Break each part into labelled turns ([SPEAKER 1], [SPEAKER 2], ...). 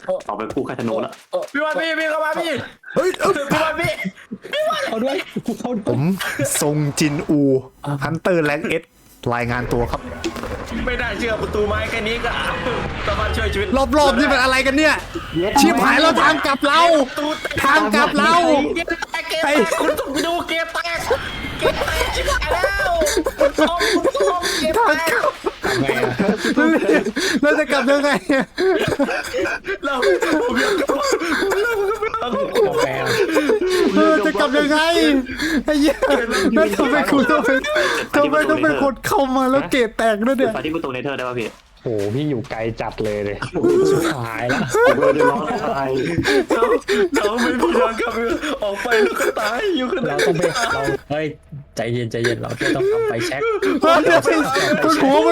[SPEAKER 1] ต่อไปกู้คาธนูละ
[SPEAKER 2] พี่วันพี่เข้ามาพี่
[SPEAKER 3] เฮ้ย
[SPEAKER 2] พี่วันพี่
[SPEAKER 4] เขาด้วยกูเข้า
[SPEAKER 3] ผมทรงจินอูฮันเตอร์แรงเอสรายงานตัวครับ
[SPEAKER 2] ไม่ได้เชื่อประตูไม้แค่นี้ก็สามารถช่วยชีวิต
[SPEAKER 3] รอบๆนี่เป็นอะไรกันเนี่ยชิบหายแล้วทางกลับเราทางกลับเรา
[SPEAKER 2] เกมแตกคุณต้องไปดูเกมแตกชิบหายแล้วคุณต้องเกม
[SPEAKER 3] ทาง
[SPEAKER 2] แต
[SPEAKER 3] ก
[SPEAKER 2] ก
[SPEAKER 3] ลับ
[SPEAKER 4] ไงอะ
[SPEAKER 3] เราจะกลับยังไง
[SPEAKER 2] เราผมอยากกลับเรา
[SPEAKER 4] กาแฟ
[SPEAKER 3] จะกลับยังไงไอ้เหี้ยแล้วทำไมคุณต้องเป็นคนเข้ามาแล้วเกตแตกด้วยเนี่ย
[SPEAKER 1] ไฟที่ประตูเนเธอร์ได้ป่ะพี่
[SPEAKER 4] โหพี่อยู่ไกลจัดเลยหายแล้ว
[SPEAKER 1] ผมเลยจะร้องตาย
[SPEAKER 2] เราไม่มีทางกลับออกไปแล้วก็ตายอยู่ขนา
[SPEAKER 4] เรา
[SPEAKER 2] ด
[SPEAKER 4] ต้องไปเราเฮ้ยใจเย็นเราแค่ต้องทำไฟแช็ค
[SPEAKER 3] บนหัว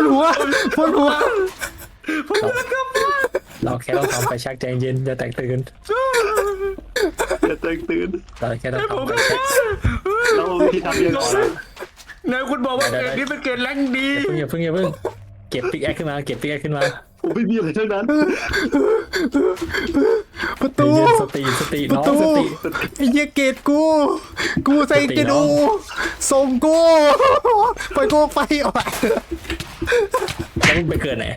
[SPEAKER 4] เราแค่ต้องทำไฟแช็คใจเย็นอย่าแตกตื่น
[SPEAKER 1] จะตื่น
[SPEAKER 4] เราแค่ต้องทำไฟแช็ค
[SPEAKER 1] แล้ววิธีทำยังไง
[SPEAKER 2] นายคุณบอกว่าเกมนี้เป็นเกมแรงดี
[SPEAKER 4] อย่าเพิ่งเก็บปิกแอคขึ้นมา
[SPEAKER 1] ผมไม่มีอะไรทั้งนั้น
[SPEAKER 3] ประตู
[SPEAKER 4] สติ
[SPEAKER 3] ประ
[SPEAKER 4] น้อง
[SPEAKER 3] ตู
[SPEAKER 4] สติ
[SPEAKER 3] ไอ้เหี้ยเกตกูใส่จินอูส่งกูไปกูไปออก
[SPEAKER 4] แล้วมึงไปเกิดไหน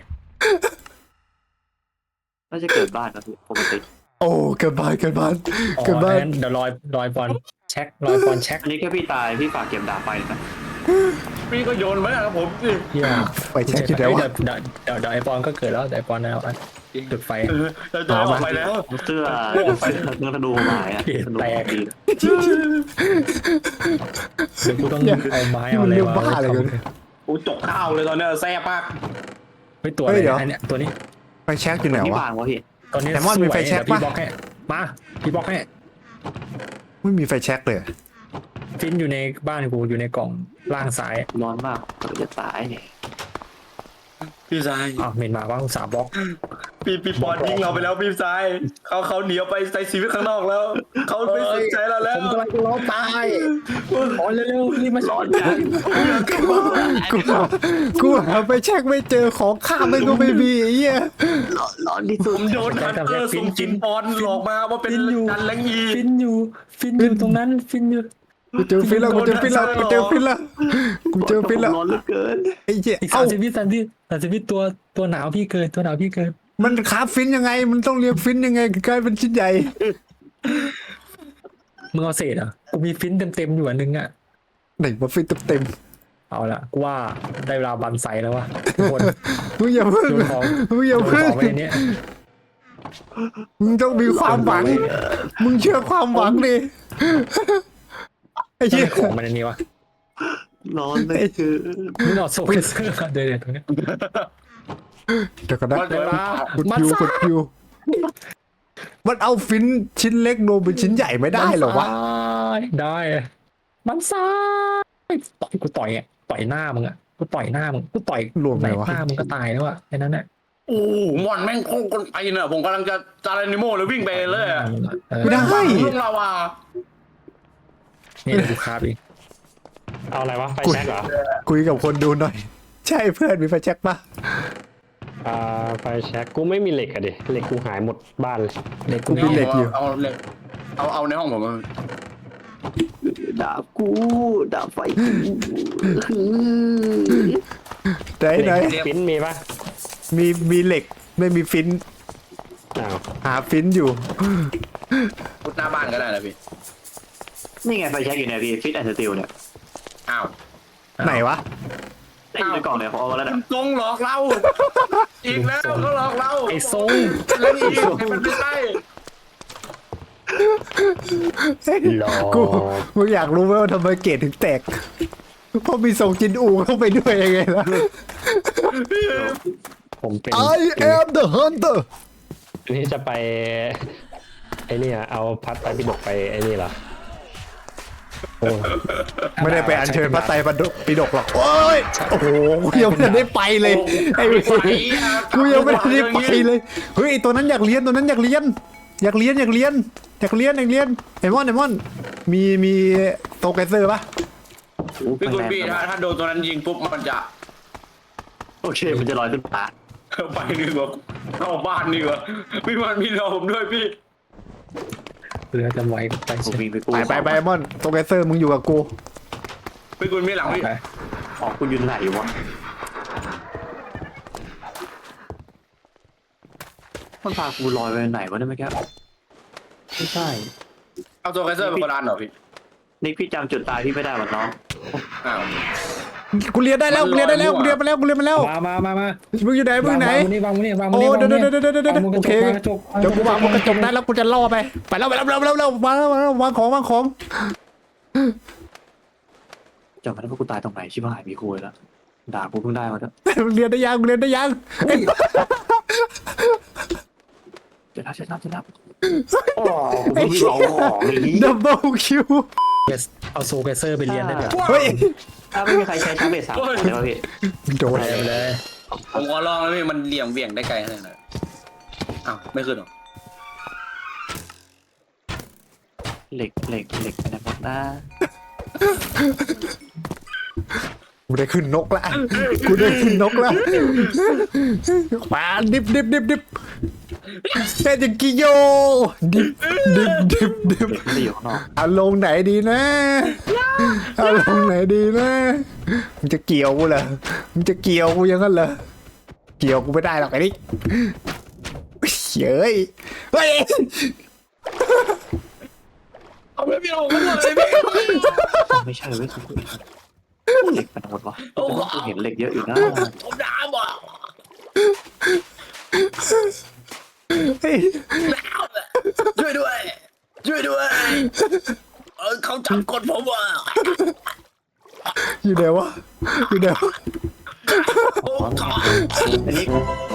[SPEAKER 1] น่าจะเกิดบ้านนะพี่ปกติ
[SPEAKER 3] โอ้เกิดบ้าน
[SPEAKER 4] เดี๋ยวลอยบอลเช็ค
[SPEAKER 1] อันนี้แค่พี่ตายพี่ฝากเก็บดาบไปนะ
[SPEAKER 2] พี่ก็โยนมาแล้วผมสิ
[SPEAKER 4] เยี่ย
[SPEAKER 3] ไปเช็คที่ไหนวะ
[SPEAKER 4] เดี๋ยวไอบอลก็เกิดแล้วเดี๋ยวไอบอลแล้วจุดไฟ
[SPEAKER 2] เราจะออกไปแล้ว
[SPEAKER 1] เสื้อเนื้อธนูหายอ่ะธนูดี
[SPEAKER 4] เดี๋ยวกูต้องเอาไม้
[SPEAKER 3] ที่
[SPEAKER 4] เอา
[SPEAKER 3] มัน
[SPEAKER 4] อะไร
[SPEAKER 3] เรียก
[SPEAKER 4] มา
[SPEAKER 3] บ้าอะไรกัน
[SPEAKER 2] โอ้จกข้าวเลยตอนนี้แซ่บมาก
[SPEAKER 4] เฮ้ยตัวอะไรอันเนี้ยตัวนี้
[SPEAKER 3] ไปเช็คที่ไหน
[SPEAKER 1] ที่
[SPEAKER 3] วะ
[SPEAKER 1] บางวะพี่
[SPEAKER 4] ตอนนี้
[SPEAKER 3] แซมมอนมีไฟแช็กปะ
[SPEAKER 4] พี่บล็อกให้มาพี่บล็อกให้
[SPEAKER 3] ไม่มีไฟแช็กเลย
[SPEAKER 4] ฟินอยู่ในบ้านกูอยู่ในกล่องล่างซ้าย
[SPEAKER 1] ร้อนมากเราจะตายเนี่ย
[SPEAKER 2] พี่ชาย
[SPEAKER 4] อ้าวเมนมาว่าอุตส่าห์บล็อก
[SPEAKER 2] พี่ปอนยิงเราไปแล้วพี่ชายเขาหนีออกไปใช้ชีวิตข้างนอกแล้วเขาไม่สนใจเราแล้ว
[SPEAKER 4] ผมกำลังจะล้อตายขอเร็วๆรีบมาช้อน
[SPEAKER 3] กูหาไฟแช็กไม่เจอของข้ามมันก็ไม่มีไอ้เหี้ย
[SPEAKER 1] ร้อนที่สุ
[SPEAKER 2] ผ
[SPEAKER 1] ด
[SPEAKER 2] มโดนฮันเตอร์สุ่มจินปอนหลอกมาว่าเป็นดันแรงอี
[SPEAKER 4] ฟินอยู่ตรงนั้นฟินอยู่
[SPEAKER 3] กูเจอฟินแล้ว
[SPEAKER 1] ร้อนเหลือเกิน
[SPEAKER 3] ไอ้เหี้ย
[SPEAKER 4] อีก
[SPEAKER 3] เอ้า
[SPEAKER 4] 30 วิตัวหนาวพี่เกินตัวหนาวพี่เกิน
[SPEAKER 3] มันคาบฟินยังไงมันต้องเรียกฟินยังไงกลายเป็นชิ้นใหญ่
[SPEAKER 4] มึงเอาเศษอ่ะกูมีฟินเต็มอยู่อันนึงอ่ะ
[SPEAKER 3] ไหนมาฟินเต็ม
[SPEAKER 4] เอาละกูว่าได้เวลาบันไซแล้ววะทุกคน
[SPEAKER 3] มึงอย่าเพิ่ง
[SPEAKER 4] โยนของ
[SPEAKER 3] มึงอย่า
[SPEAKER 4] โยน
[SPEAKER 3] เพิ่ง
[SPEAKER 4] ของไว้ในเนี้ย
[SPEAKER 3] มึงต้องมีความหวังมึงเชื่อความหวังดิไอ้
[SPEAKER 4] ต้อง
[SPEAKER 3] เหี้ย
[SPEAKER 4] มีของมันในนี้วะ
[SPEAKER 1] ร้อนเลยคือ
[SPEAKER 4] มึงเอาโซเฟเซอร์เดี๋ยวตรงเนี้ย
[SPEAKER 3] เดี๋ยวก่อนนะ
[SPEAKER 4] เวลาก
[SPEAKER 3] ดคิวมันเอาฟินชิ้นเล็กโดนเป็นชิ้นใหญ่ไม่ได้หรอวะ
[SPEAKER 4] ได้มันซ้ายกูต่อยหน้ามึงอ่ะกูต่อยหน้ามึงกูต่อย
[SPEAKER 3] รวม
[SPEAKER 4] ไห
[SPEAKER 3] ไง
[SPEAKER 4] น
[SPEAKER 3] วะ
[SPEAKER 4] หน้ามึงก็ตายแล้วอ่ะแค่นั้นแหละ
[SPEAKER 2] โอ้มอนแม่งโคตรคนไปเนอะผมกำลังจะจารานิโมเลยวิ่งไปเลย
[SPEAKER 3] ไม่ได้
[SPEAKER 2] เรื่องเราอ่ะ
[SPEAKER 4] นี่เดี๋ยวกูคาบอีก
[SPEAKER 5] เอาอะไรวะไฟแช็กเหรอ
[SPEAKER 3] คุยกับคนดูหน่อย ใช่เพื่อนมีไฟแช็กปะ
[SPEAKER 5] ไฟแช็กกูไม่มีเหล็กอะดิเหล็กกูหายหมดบ้านเลย
[SPEAKER 4] เด็ก
[SPEAKER 3] กูมีเหล็กอยู่
[SPEAKER 2] เอาเหล็กเอาในห้องผม
[SPEAKER 1] ดาบกูดาบไฟ
[SPEAKER 3] ไหน
[SPEAKER 5] ฟินมีปะ
[SPEAKER 3] มีเหล็กไม่มีฟิน
[SPEAKER 5] อ้าว
[SPEAKER 3] หาฟินอยู่
[SPEAKER 2] พุทหน้าบ้านก็ได้นะพี่
[SPEAKER 1] นี่ไงไฟแช็กอยู่เนี่ยพี่ฟิตแอนด์สติลเนี่ย
[SPEAKER 2] อ้าว
[SPEAKER 3] ไหนวะ
[SPEAKER 1] ได้อยู่ในกล่องเนี่ยผมเอามาแล้วนะ
[SPEAKER 2] ทรงหลอกเราอีกแล้วก็หลอกเรา
[SPEAKER 4] ไอ้ทรง
[SPEAKER 2] แล้วอีกมันไม่ใช่
[SPEAKER 5] หลอ
[SPEAKER 3] กูมึงอยากรู้ไหมว่าทำไมเกตถึงแตกเพราะมีส่งจินอูเข้าไปด้วยยังไงล่ะ
[SPEAKER 5] ผมเป็น
[SPEAKER 3] I am the hunter
[SPEAKER 5] นี่จะไปไอ้นี่อะเอาพัดไปปิดกไปไอ้นี่เหรอ
[SPEAKER 3] ไม่ได้ไปอัญเชิญพระไตรปิฎกหรอกโอ้ยโอ้โหกูยังไม่ได้ไปเลยไอ้กูยังไม่ได้ไปเลยเฮ้ยตัวนั้นอยากเรียนไอ้มอนมีโตเกเซอร์ปะ
[SPEAKER 2] พี่คุณพี่ถ้าโดนตัวนั้นยิงปุ๊บมันจะ
[SPEAKER 1] โอเคมันจะลอยขึ้นฟ้า
[SPEAKER 2] ไปดีกว่าเข้าบ้านดีกว่าพี่มันมีเราผมด้วยพี่
[SPEAKER 4] เรือจะไวไป
[SPEAKER 1] กู
[SPEAKER 4] ใช่
[SPEAKER 1] วิ่งไปกู
[SPEAKER 3] ไปไอ้มอนโตเกเซอร์มึงอยู่กับกู
[SPEAKER 2] พี่คุณมีหลังพี่
[SPEAKER 4] ไป
[SPEAKER 1] ออกกูยืนไหนวะมันพากูลอยไปไหนวะเนี่ยเมื่อกี้ไม่ใช่
[SPEAKER 2] เอาตัวไคเซอร์เป็นโบราณเหรอพี่
[SPEAKER 1] นี่พี่จำจุดตายพี่ไม่ได้หรอน้อง
[SPEAKER 2] อ้าว
[SPEAKER 3] กูเรียนได้แล้วกูเรียนได้แล้วกูเรียนมาแล้วกูเรียนมาแล้ว
[SPEAKER 4] มา
[SPEAKER 3] มึงอยู่ไหนมึงอยู่ไหน
[SPEAKER 4] วางมือนี่วางมือ
[SPEAKER 3] โอ้
[SPEAKER 4] นี่
[SPEAKER 3] เดี๋ยวโอเค
[SPEAKER 4] วางกระจก
[SPEAKER 3] เดี๋ยวกูวางกระจกได้แล้วกูจะล่อไปแล้วมาแล้ววางของ
[SPEAKER 1] จำไม่ได้ว่ากูตายตรงไหนชิบหายมีคุยแล้วด่ากูเพิ่งได้มาแล้ว
[SPEAKER 3] มึงเรียนได้ยัง
[SPEAKER 1] เดี๋ยวรับโอ้กูมีสองของนี้
[SPEAKER 3] ดับเบิลคิว
[SPEAKER 4] เอาโซเกเซอร์ไปเรียนได้เลย
[SPEAKER 3] เฮ้ย
[SPEAKER 1] ถ้าไม่มีใครใช้ชาร์จเบส3ได้ป่ะพี่
[SPEAKER 3] โดน
[SPEAKER 4] ไปเลย
[SPEAKER 2] ผมขอลองแล้วพี่มันเหลี่ยมเบี่ยงได้ไกลขนาดไหนอ้าวไม่ขึ้นหรอ
[SPEAKER 1] เหล็กไปไหนหมดนะ
[SPEAKER 3] กูได้ขึ้นนกละมาดิบเฮ้ยจิงกิโยดิบ
[SPEAKER 1] เหล็กไม่ได้อยู่ข้างนอก
[SPEAKER 3] เอาลงไหนดีนะเอาลงไหนดีนะมึงจะเกี่ยวกูเหรอมึงจะเกี่ยวกูอยังงั้นเหรอเกี่ยวกูไม่ได้หรอกไอ้นี่เฮ้ย
[SPEAKER 2] เอาไม่พี่เอาไม่หมดเลยพี่
[SPEAKER 1] ไม่ใช่เว้ยเหล็กมันหมดวะกูเห็นเหล็กเยอะอยู่นะ
[SPEAKER 2] ผมด่าบ่ะ
[SPEAKER 3] เฮ้ย
[SPEAKER 2] ช่วยด้วยเขาจับกดผมว่ะ
[SPEAKER 3] อยู่ไหนวะ
[SPEAKER 2] โอ้ขอ
[SPEAKER 1] อันนี้